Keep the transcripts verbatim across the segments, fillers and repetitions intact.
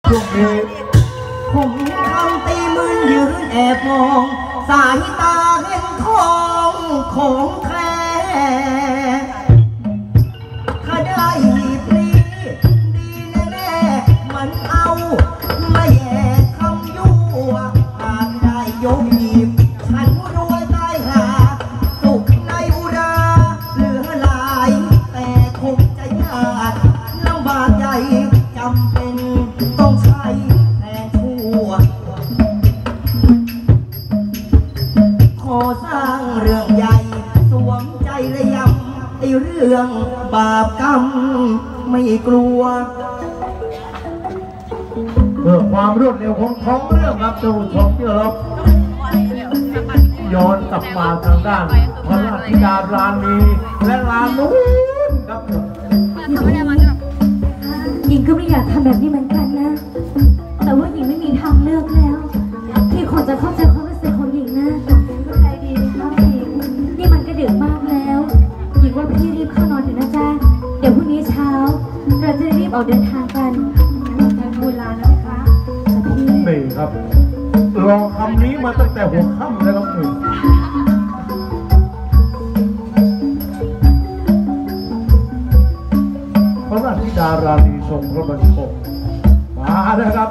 ช่วงนี้ผมทำตีมือยืนแอบมองสายตาเห็นทองของแท้ถ้าได้หีบนี้ดีแน่ๆมันเอาไม่แย่คำยั่วหากได้ยกหีบฉันรวยตายหาสุขในอุราเหลือหลายแต่คงจะยากลำบากใหญ่จำเป็นต้องใช้แทนชั่วขอสร้างเรื่องใหญ่สวมใจระยำไอเรื่องบาปกรรมไม่กลัวเพื่อความรวดเร็วของท้องเรื่องครับท่านผู้ชมที่เคารพย้อนกลับมาทางด้านพระราชธิดาราณีและรานูนครับหญิงก็ไม่อยากทำแบบนี้เหมือนกันนะแต่ว่าหญิงไม่มีทางเลือกแล้วที่คนจะเข้าใจความรู้สึกของหญิงนะเข้าใจดีนะครับหญิงนี่มันก็ดึกมากแล้วหญิงว่าพี่รีบเข้านอนเถอะนะจ๊ะเดี๋ยวพรุ่งนี้เช้าเราจะรีบออกเดินทางกันงั้นทางโบราณนะคะพี่นี่ครับรอคำนี้มาตั้งแต่หัวค่ำแล้วครับหนึ่งพระราชธิดาราณีทรงพระบัญชรมานะครับ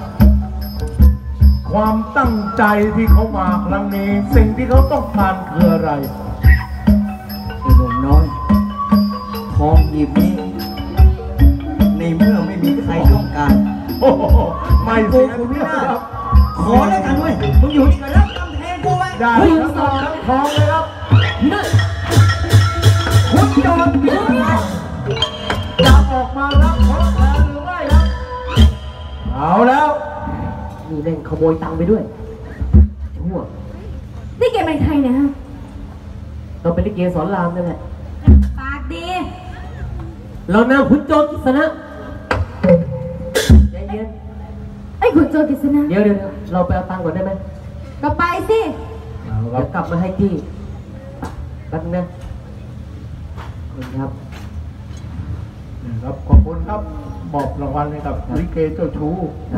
ความตั้งใจที่เขามาครั้งนี้สิ่งที่เขาต้องการคืออะไรไอ้หนุ่มน้อยทองหยิบนี้ในเมื่อไม่มีใครต้องการโอ้ไม่กูกูไม่ได้ขอแล้วกันเว้ยมึงอยู่นี่ก็รับกำแพงกูไว้ได้ทั้งหมดทั้งทองเลยครับนี่คุณโดนจะออกมารับของแทนหรือไม่ครับเอาแล้วมีเล่นขโมยตังค์ไปด้วยชั่วนี่แกเป็นใครเนี่ยฮะเราเป็นลิเกสอนรามนั่นแหละปากดีเรานำขุนโจรกิษณะใจเย็นไอ้ขุนโจรกิษณะเดี๋ยวเดี๋ยวเราไปเอาตังค์ก่อนได้ไหมก็ไปสิเดี๋ยวกลับมาให้ที่แป๊บนึงนะขอบคุณครับครับขอบคุณครับมอบรางวัลให้กับลิเกเจ้าชู้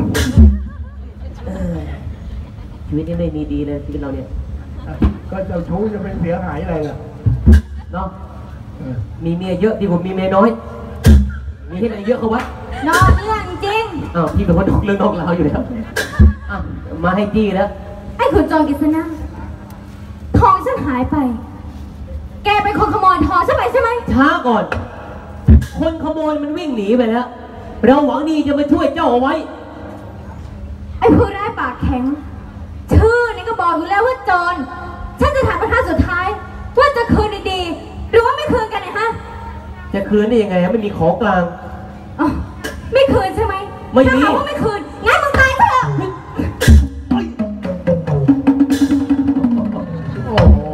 ชีวิตนี้ไม่มีดีเลยชีวิตเราเนี่ยก็เจ้าชู้จะเป็นเสียหายอะไรล่ะเนาะมีเมียเยอะดีกว่ามีเมียน้อยมีให้มันเยอะเขาวะนอกเรื่องจริงอ้าวพี่เป็นคนนอกเรื่องนอกราวอยู่แล้วอ่ะมาให้จี้แล้วไอ้ขุนโจรกิษณะทองฉันหายไปแกเป็นคนขโมยทองฉันไปใช่ไหมช้าก่อนคนขโมยมันวิ่งหนีไปแล้วเราหวังดีจะมาช่วยเจ้าเอาไว้ไอ้ผู้ร้ายปากแข็งชื่อนี่ก็บอกอยู่แล้วว่าโจรฉันจะถามประธานสุดท้ายว่าจะคืนดีๆหรือว่าไม่คืนกันเนี่ยฮะจะคืนได้ยังไงไม่มีของกลางอ๋อไม่คืนใช่ไหมไม่มีถ้าว่าไม่คืนงั้นมึงตายเถอะโอ้โห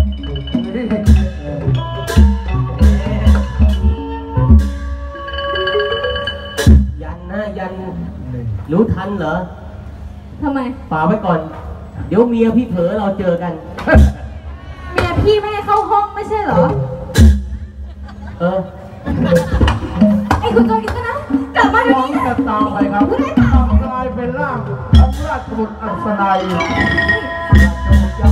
ยันนะยันรู้ทันเหรอทำไมฝากไว้ก่อนเดี๋ยวเมียพี่เผลอเราเจอกันเมียพี่ไม่ให้เข้าห้องไม่ใช่เหรอเออไอ้คุณโจรกิษณะกลับมาเดี๋ยวนี้นะตามไปครับกลายเป็นร่างของราชบุตรอัศนัย